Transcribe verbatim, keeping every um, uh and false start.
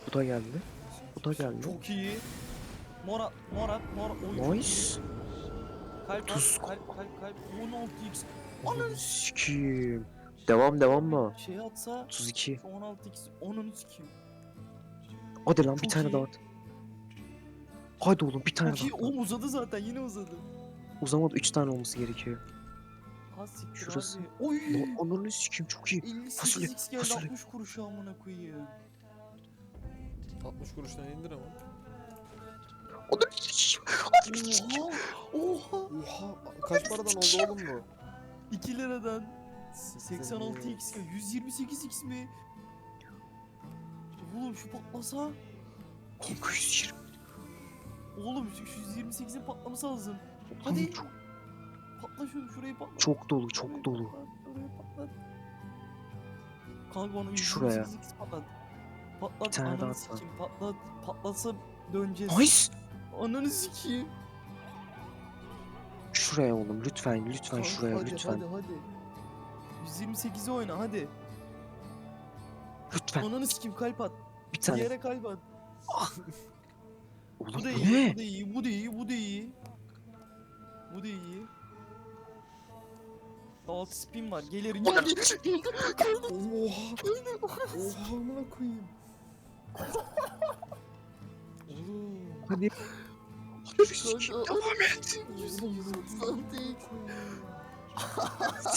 Bu da geldi. Bu da geldi. Çok iyi. Mora, mora, mora. Oy, Nice. Kalp Tuz. at, kalp, kalp, kalp. on altı x. Ananı sikiyim. Devam devam mı? Şey atsa otuz iki. on altı x. Onunu sikeyim. Hadi lan bir Çok tane iyi. daha at. Hadi oğlum bir tane Çok iyi. daha at. Oğlum uzadı zaten. Yine uzadı. Uzamadı üç tane olması gerekiyor. Ha siktir Şurası. abi. Oy. Lan ananı sikiyim çok iyi. elli Fasulye, sekiz x geldi. fasulye. altmış kuruşa amına koyayım. altmış kuruştan indir ama. Ananı sikiyim. Oha. Oha. Oha, kaç paradan oldu oğlum bu? iki liradan. seksen altı x ya. yüz yirmi sekiz x mi? Oğlum şu patlasa. Kanka yüz yirmi. Oğlum şu şu yüz yirmi sekizin patlaması lazım. Oğlum Hadi. Çok, Patla şunu, şurayı patla. çok dolu Şurayı çok dolu. patlat, şurayı patlat. Kanka onu Şuraya. yüz yirmi sekiz x patlat. Patlat, Bir tane daha ananı atla. sikeyim. Patlat. Patlatsa döneceğiz. Nice. Ananı sikeyim. Şuraya oğlum lütfen lütfen Kanka, şuraya hadi, lütfen. Hadi hadi. yüz yirmi sekize oyna hadi. Lütfen Ananı sikeyim, kalp at. bir tane. Diğere kalp at. Oğlum Bu da bu iyi, ne? bu da iyi, bu da iyi, bu da iyi. Bu da iyi. Altı spin var. Gelir. Oha. Oha amına koyayım. Oğlum. Hadi. Kanka, Devam et. yüz doksan